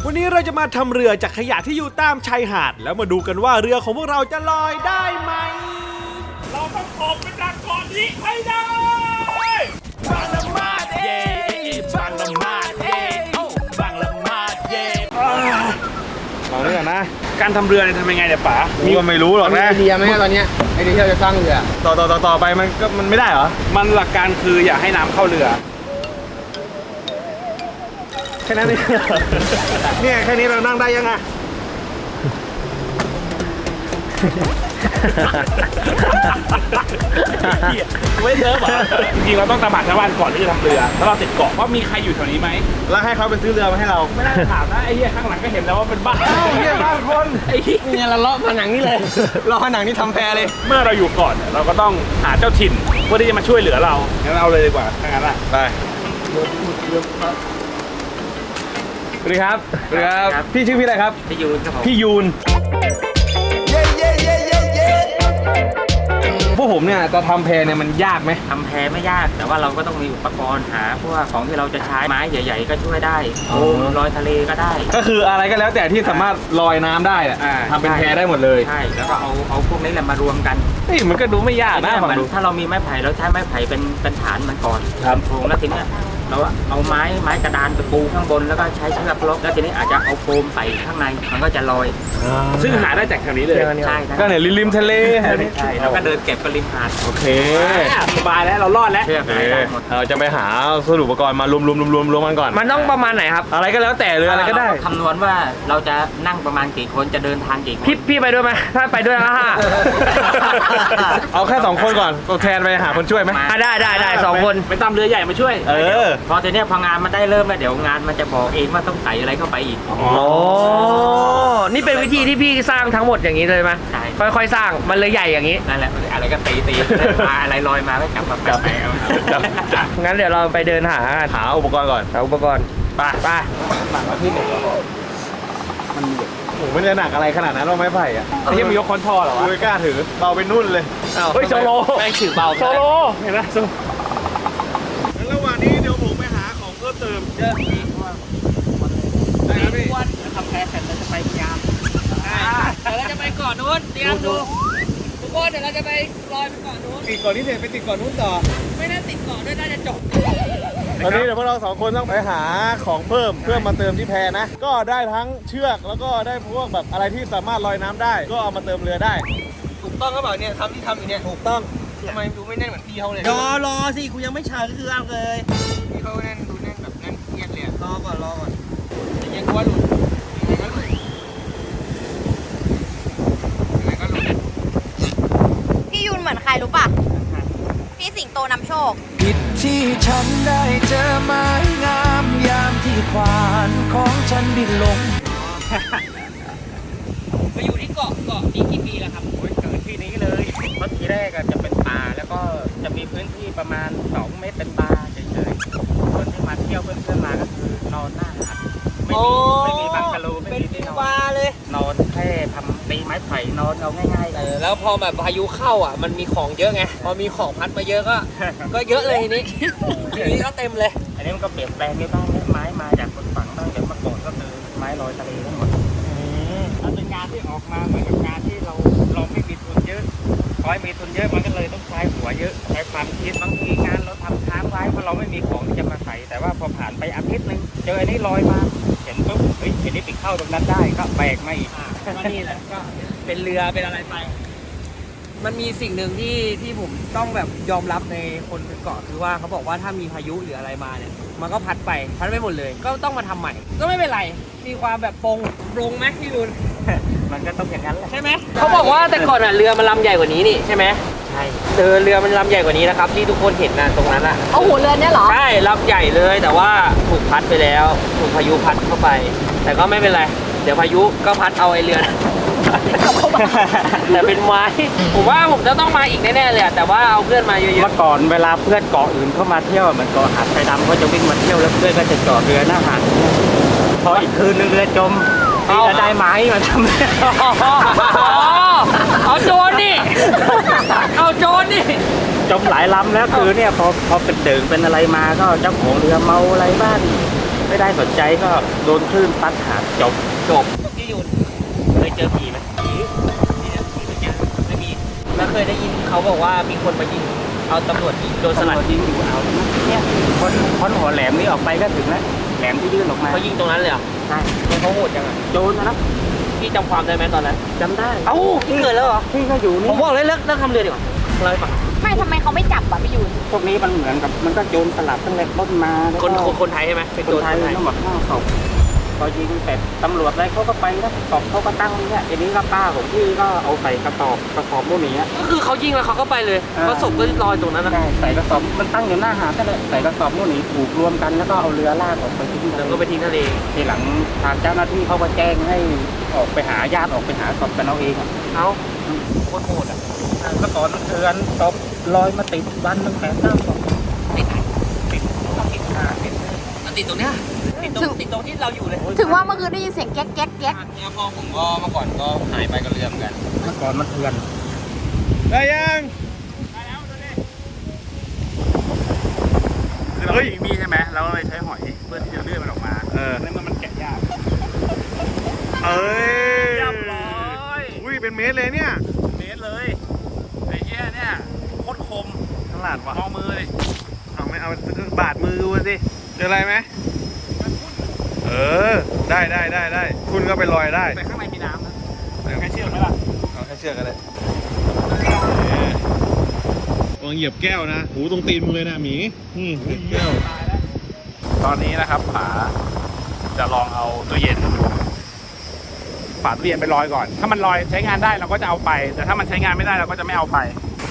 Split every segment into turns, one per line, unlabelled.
วันนี้เราจะมาทำเรือจากขยะที่อยู่ตามชายหาดแล้วมาดูกันว่าเรือของพวกเราจะลอยได้ไหมเราต้องออกไปจากเกาะนี้ให้ได้บางละมาดเย่บางละมาดเย่บางละมาดเย่ลองดูก่อนนะการทำเรือเนี่ยทำยังไงเนี่ยป๋ามีก็ไม่รู้หรอกนะ
ไอเดียไหมตอนนี้ไอเดียที่เราจะสร้างเรือ
ต่อไปมันไม่ได้เหรอมันหลักการคืออย่าให้น้ำเข้าเรือแค่นั้นเองเนี่ยแค่นี้เรานั่งได้ยังไงไม่เจอหรอจริงๆเราต้องตามหาชาวบ้านก่อนที่จะทำเรือแล้วเราติดเกาะว่ามีใครอยู่แถวนี้ไหมแล้วให้เขาไปซื้อเรือมาให้เราไม่ได้ถามนะไอ้เหี้ยข้างหลังก็เห็นแล้วว่าเป็นบ้านเหี้ยบ้านคนไอ้เหี้ย
เนี่ยเราเลาะผนังนี่เลยเลาะผนังนี่ทำแพเลย
เมื่อเราอยู่ก่อนเราก็ต้องหาเจ้าถิ่นเพื่อที่จะมาช่วยเหลือเรางั้นเอาเลยดีกว่าถ้างั้นไปสวัสดีครับสวัสดีครับพี่ชื่อพี่อะไรครับ
พี่ยูนครับผม
พี่ยูนพวกผมเนี่ยจะทำแพเนี่ยมันยากไหม
ทำแพไม่ยากแต่ว่าเราก็ต้องมีอุปกรณ์หาพวกของที่เราจะใช้ไม้ใหญ่ๆก็ช่วยได้โคมลอยทะเลก็ได้
ก็คืออะไรก็แล้วแต่ที่สามารถลอยน้ำได้ทำเป็นแพได้หมดเลย
ใช่แล้วก็เอาพวกนี้แหละมารวมกัน
นี่มันก็ดูไม่ยากนะ
ฝั่งถ้าเรามีไม้ไผ่เราใช้ไม้ไผ่เป็นฐานมันก่อนโครงแล้วทีนี้เราเอาไม้กระดานไปปูข้างบนแล้วก็ใช้เชือกล็อกแล้วทีนี้อาจจะเอาโฟมใส่ข้างในมันก็จะลอยซึ่งหาได้จากแถวนี้เลยใช่
ก็เนี่ยริมทะเล
ใช่แล้วก็เดินเก็บริมหาด
โอเคสบายแล้วเรารอดแล้วเราจะไปหาสรุปอุปกรณ์มารวมกันก่อน
มันต้องประมาณไหนครับ
อะไรก็แล้วแต่เลยอะไรก็ได้
คำนวณว่าเราจะนั่งประมาณกี่คนจะเดินทางกี่คน
พี่ไปด้วยไหมถ้าไปด้วยนะฮะ
เอาแค่2คนก่อนตัวแทนไปหาคนช่วยไหม
ได้2คน
ไปตามเรือใหญ่มาช่วยพอทีนี้พองานมันได้เริ่มแล้วเดี๋ยวงานมันจะบอกเองว่าต้องใส่อะไรเข้าไปอีก
นี่เป็นวิธีที่พี่สร้างทั้งหมดอย่างนี้เลยไหม
ใช่
ค่อยๆสร้างมันเลยใหญ่อย่างนี้
นั่นแหละอะไรก็ตีมาอะไรลอยมาก็จับมาแปะ
งั้นเดี๋ยวเราไปเดินหา
อุปกรณ์ก่อน
อุปกรณ์
ไปที่ไหนผมไม่ได้หนักอะไรขนาดนั้นว่าไม้ไผ่อะไอ้ที่มียกคอนทอเหรอวะไม่กล้าถือเบาไปนุ่นเลย
เฮ้ยโซโล
แม่งถือเบา
โซโลเห็นไหม
งั้นระหว่างนี้เดี๋ยวผมไปหาของเพิ่มเติม
เยอะอีกว่าได้ครับพี่จะทำแพ้เสร็จเราจะไปพยายามเดี๋ยวเราจะไปก่อนนู้นเตรียมดูทุกคนเดี๋ยวเราจะไปลอยไปก่อนนู้น
ติดก่อนนี้เสร็จไปติดก่อนนู้นต่อ
ไม่น่าติดก่อนด้วยน่าจะจบ
ตอนนี้เดี๋ยวพวกเรา2คนต้องไปหาของเพิ่มเพื่อมาเติมที่แพนะก็ได้ทั้งเชือกแล้วก็ได้พวกแบบอะไรที่สามารถลอยน้ำได้ก็เอามาเติมเรือได้
ถูกต้องก็แบบเนี่ยทำอยู่เนี่ย
ถูกต้อง
ทำไมดูไม่แน่นเหมือนพี่เขาเลย
รอสิกูยังไม่เชิญก็คือเอาเลย
พี่เขาแน่นดูแน่นแบบแน่นเครียดเลย
รอก่อน
ยังกลัวหลุด
พี่ยุนเหมือนใครรู้ป่ะพี่สิงโตนำโชค
ผิดที่ฉันได้เจอไม้งามยามที่ควานของฉันบินลง
มาอยู่ที่เกาะนี้กี่ปีแล้วครับเกิดที่นี้เลยเพราะทีแรกจะเป็นป่าแล้วก็จะมีพื้นที่ประมาณ2 เมตรเป็นป่าเฉยๆคนที่มาเที่ยวเพื่อนๆมาก็คือนอนหน้าหาดไม่มีบังกะโลไม่มีที่นอน
เลย
นอนแค่ทำตีไม้ไผ่นอนเอาง่าย
ๆแล้วพอแบบพายุเข้าอ่ะมันมีของเยอะไงพอมีของพัดมาเยอะก็เยอะเลยทีนี้ก็เต็มเลย
อันนี้มันก็เปลี่ยนแปลงไปบ้างไม้มาจากคนฝั่งบ้างแต่เมื่อก่อนก็คือไม้ลอยทะเลทั้งหมดมันเป็นงานที่ออกมาเหมือนกับงานที่เราไม่มีทุนเยอะพอมีทุนเยอะมันก็เลยต้องใช้หัวเยอะใช้ความคิดบางทีงานเราทำค้างไว้เพราะเราไม่มีของที่จะมาใส่แต่ว่าพอผ่านไปอาทิตย์นึงเจออันนี้ลอยมาเห็นปุ๊บเฮ้ยทีนี้ไปเข้าตรงนั้นได้ก็แบกมาอีก
ก็นี่แหละก็เป็นเรือเป็นอะไรไปมันมีสิ่งหนึ่งที่ผมต้องแบบยอมรับในคนเกาะคือว่าเขาบอกว่าถ้ามีพายุหรืออะไรมาเนี่ยมันก็พัดไปหมดเลยก็ต้องมาทำใหม่ก็ไม่เป็นไรมีความแบบปรงไหมพี่รุน
มันก็ต้องอย่างนั้นแหละ
ใช่ไหมเขาบอกว่าแต่ก่อนเรือมันลำใหญ่กว่านี้นี่ใช่ไหม
ใช่
เรือมันลำใหญ่กว่านี้นะครับที่ทุกคนเห็นนะตรงนั้นอะ
เอาหัวเรือเนี่ยเหรอ
ใช่ลำใหญ่เลยแต่ว่าถูกพัดไปแล้วถูกพายุพัดเข้าไปแต่ก็ไม่เป็นไรเดี๋ยวพายุก็พัดเอาไอเรือแต่เป็นไม้ผมว่าผมจะต้องมาอีกแน่ๆเลยแต่ว่าเอาเพื่อนมาเยอะๆ
เมื่อก่อนเวลาเพื่อนเกาะอื่นเข้ามาเที่ยวเหมือนเกาะหาดไทรดำเขาจะวิ่งมาเที่ยวแล้วเพื่อนก็จะจอดเรือหน้าหาดพออีกคืนนึงเรือจมจะได้ไม้มาทำ
เอาโจรนี่
จมหลายลำแล้วคือเนี่ยพอเป็นเดิงเป็นอะไรมาก็เจ้าของเรือเมาอะไรบ้างไม่ได้สนใจก็โดนคลื่นซัดหาจบ
พี่ยูนเคยเจอผีไหมผีเหมือนกันไม่มีแล้วเคยได้ยินเขาบอกว่ามีคนมายิงเอาตำรวจยิงโดนสลัด
ยิงอยู่เอาเนี่ยพ้นหัวแหลมนี้ออกไปก็ถึงแล้วแหลมที่ยื่นออกมา
เขายิงตรงนั้นเลยเหรอ
ใช่
แล้วเขาโหดจังอ่ะ
โดนนะ
พี่จำความได้ไหมตอนนั้น
จำได้
เอ้าพี่เกิดแล้วเหรอ
พี่ก็อยู่
ผ
นี่
มบอกเลยเลิกทำเรือดีกว่าเล่าให้ฟัง
ไม่ทำไมเขาไม่จับอะพี่ยูน
พวกนี้มันเหมือนกับมันก็โจรสลัดตั้งแต่ต้นมาแล้ว
คน
ก็
คนไทยใช่ไหมเป็น
ค
โจ
น
ร
ไทยทั้งหมด5 ศพพอยิงเสร็จตำรวจอะไรเขาก็ไปแล้วศพเขาก็ตั้งเนี่ยทีนี้ก็ป้าของพี่ก็เอาใส่กระสอบพวกนี้
ก็คือเขายิงแล้วเขาก็ไปเลยเพราะศพก็ลอยตรงนั้นนะ
ได้ใส่กระสอบมันตั้งอยู่หน้าหาดนั่นแหละใส่กระสอบพวกนี้ผูกรวมกันแล้วก็เอาเรือลากออกไปทิ้ง
แล้วก็ไปทิ้งทะเล
ทีหลังทางเจ้าหน้าที่เขาก็แจ้งให้ออกไปหาญาติออกไปหาศพกันเอาเองอะ
เอ้าโคตรโหดอ่ะ
เมื่อก่อนเดือนศพลอยมาติดวันหนึ่ง8-9 ศพ
ติดไหน
ติดหาติด
มันติดตรงเนี้ยติดตรงที่เราอยู่เลย
ถึงว่าเมื่อคืนได้ยินเสียงแก๊กแก๊กแก๊ก
เนี่ยพ่อผมก็เมื่อก่อนก็หายไปกับเรือเหมือนกัน
เมื่อก่อนมันเถื่อน
ได้ยังเฮ้ยมีใช่ไหมเราเลยใช้หอยเพื่อที่จะเลื่อนมันออกมาในเมื่อมันแกะยากเอ้ยเรียบร้อยอุ้ยเป็นเมตรเลยเนี่ยเมตรเลยไอ้เหี้ยเนี่ยโคตรคมฉลาดว่ะมองมือเลยเอาไม่เอาบาดมือดูสิเจออะไรไหมได้คุณก็ไปลอยได้แต่ข้างในมีน้ำนะแค่เชือกไหมล่ะเอาแค่เชือกก็ได้วางเหยียบแก้วนะหูตรงตีนมึงเลยนะหมีนี่เหยียบแก้วตอนนี้นะครับป๋าจะลองเอาตู้เย็นฝาตู้เย็นไปลอยก่อนถ้ามันลอยใช้งานได้เราก็จะเอาไปแต่ถ้ามันใช้งานไม่ได้เราก็จะไม่เอาไป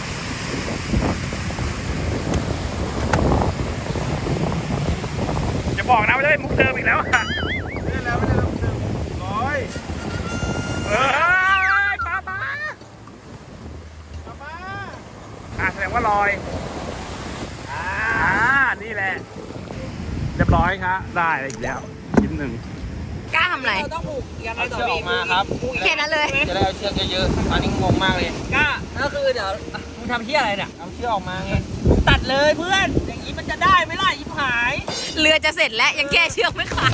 จะบอกนะไม่ได้มุกเดิมอีกแล้วค่ะไม่ได้แล้วมุกเดิมลอยแสดงว่าลอยนี่แหละเรียบร้อยครับได้อีกแล้วชิ้นหนึ่ง
กล้าทำอะไร
เราต้องผูกยังไง
เอา
ต่อ
เชือกอ
พี่
อกมาครับ
แค่นั้นเลย
จะได้เอาเชือกเยอะๆอันนี้งงมากเลย
กล้าก็คือเดี๋ยวมึงทำเที่ยอะไรเนี่ย
เอาเชือกออกมาไง
มึงตัดเลยเพื่อนอย่างนี้มันจะได้ไหมล่ะยิบหาย
เรือจะเสร็จแล้วยังแก้เชือกไม่ขาด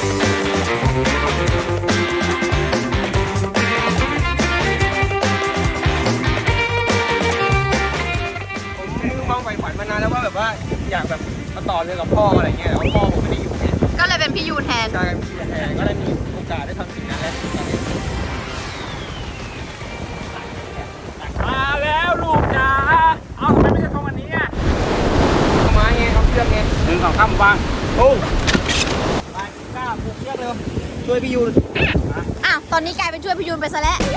ผมมองใฝ่ฝันมานานแล้วว่าแบบว่าอยากแบบมาต่อเรือกับพ่ออะไรเงี้ยแต่ว่าพ่อผมไม่ได้อยู่เนี่ย
ก็เลยเป็นพี่ยูนแทน
ใช่พี่แทนก็ได้มีโอกาสได้ทำสิ่งนั้นแล้วมาแล้วลูกจ๋าเอาทำไมไม่ใช่ทำวันนี้อ่ะเอาไม้ไงเอาเชือกไง
1 2 3วาง
โอ้ไปกล้าผูกเชือกเร็วช่วยพี่ยูน
อ้าวตอนนี้กลายเป็นช่วยพี่ยูนไปซะแล้ว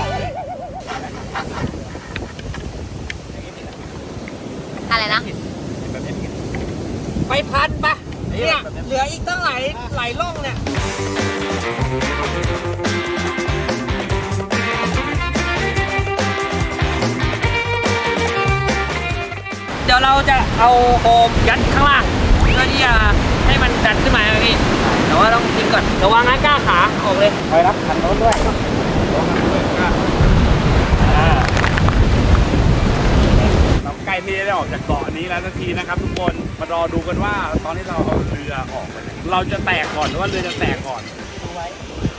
อะไรนะ
ไปพันปะเนี่ยเหลืออีกตั้งหลายร่องเนี่ยเดี๋ยวเราจะเอาโฟมยัดข้างล่างเพื่อที่จะให้มันดันขึ้นมาพี่แต่ว่าต้องทิ้งก่อนระวังนะกล้าขาออกเลย
ไปรับคันโน้นด้วย
เราใกล้ที่จะได้ออกจากเกาะนี้แล้วสักทีนะครับทุกคนมารอดูกันว่าตอนที่เราเอาเรือออกไปเนี่ยเราจะแตกก่อนหรือว่าเรือจะแตกก่อน
ดูไว้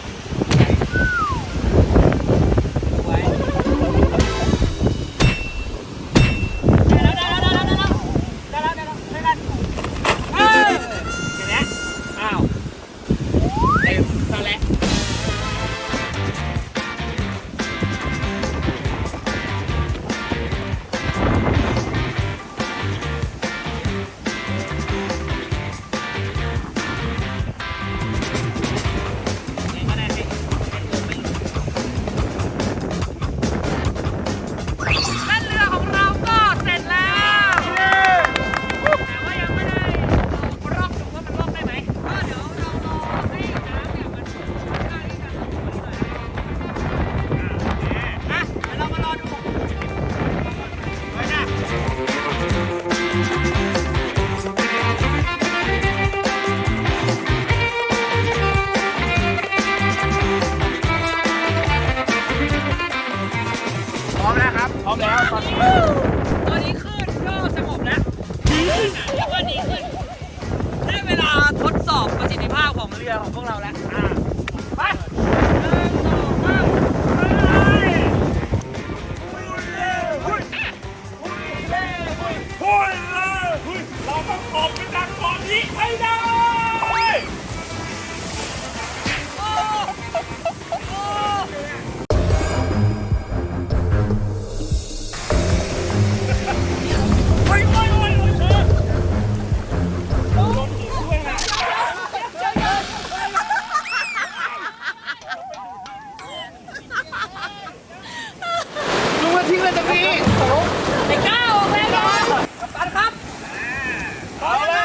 พร้อมแล้วครับพร้อมแล้วตอนนี้
ตอนนี้ขึ้นก็สงบแล้วดีขึ้นเรียกว่าดีขึ้นได้เวลาทดสอบประสิทธิภาพของเรือของพวกเราแล้วไป
เราต้องออกไปจากเกาะนี้ให้ได้
ไอ้ก้าวออกแล้วกัปตันครับ
เอาละ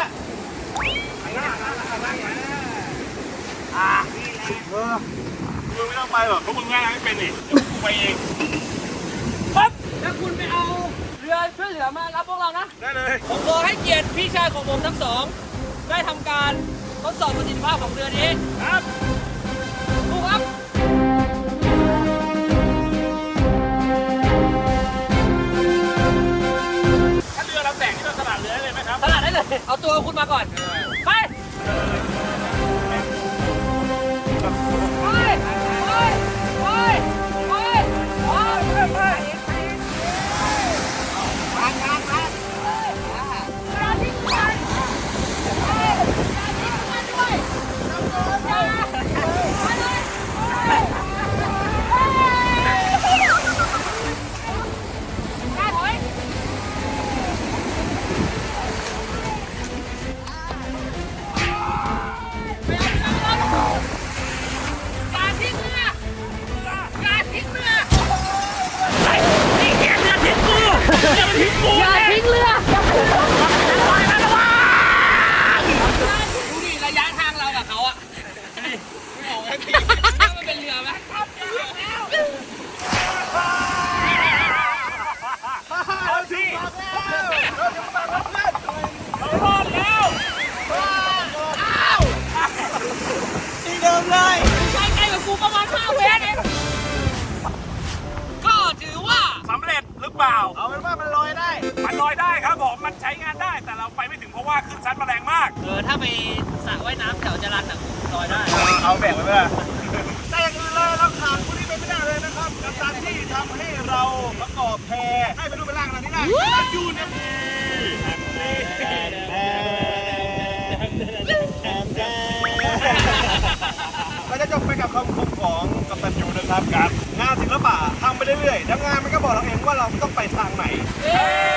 มึงไม่ต้องไปหรอกเพราะมึงว่ายน้ำไม่เป็นนี่เดี๋ยวกูไปเอง
ปั๊บแล้วคุณไปเอาเรือช่วยเหลือมารับพวกเรานะ
ได้เลย
ผมขอให้เกียรติพี่ชายของผมทั้งสอง ได้ทำการทดสอบประสิทธิภาพของเรือนี้
ครับ
ถูกครับ
ถ้าเรือเราแตกนี่เราสลัดเรือได้เลยไหมครับ
ตลาดได้เลย เอาตัวคุณมาก่อน ไป ไป ไป ไป ไป ไป อย่าทิ้งเรือดูดิระยะทางเรากับเขาอะไม่ออกแล้วทีมันเป็นเรือไหม
เอาสิเรารอดแล้วที่เดิมเลย
ใกล้ๆกับกูประมาณ5 เมตรเองก็ถือว่า
สำเร็จหรือเปล่า เอาเป็นว่ามันลอยได้ มันลอยได้ครับผม มันใช้งานได้ แต่เราไปไม่ถึงเพราะว่าขึ้นซัดมาแรงมาก
ถ้าไปสระว่ายน้ำแถวจรัญอะลอยได้
เอาแบ่งไว้ไหมล่ะแต่อย่างอื่นเลยเราขาดคนนี้ไปไม่ได้เลยนะครับกับการที่ทำให้เราประกอบแพให้เป็นรูปเป็นร่างอะไรนี้ได้นั่นอยู่เนี่ยเราจะจบไปกับคำคมของกัปตันยูนะครับกับงานศิลปะทำไปเรื่อยๆแล้วงานมันก็บอกเราเองว่าเราต้องไปทางไหน
เย้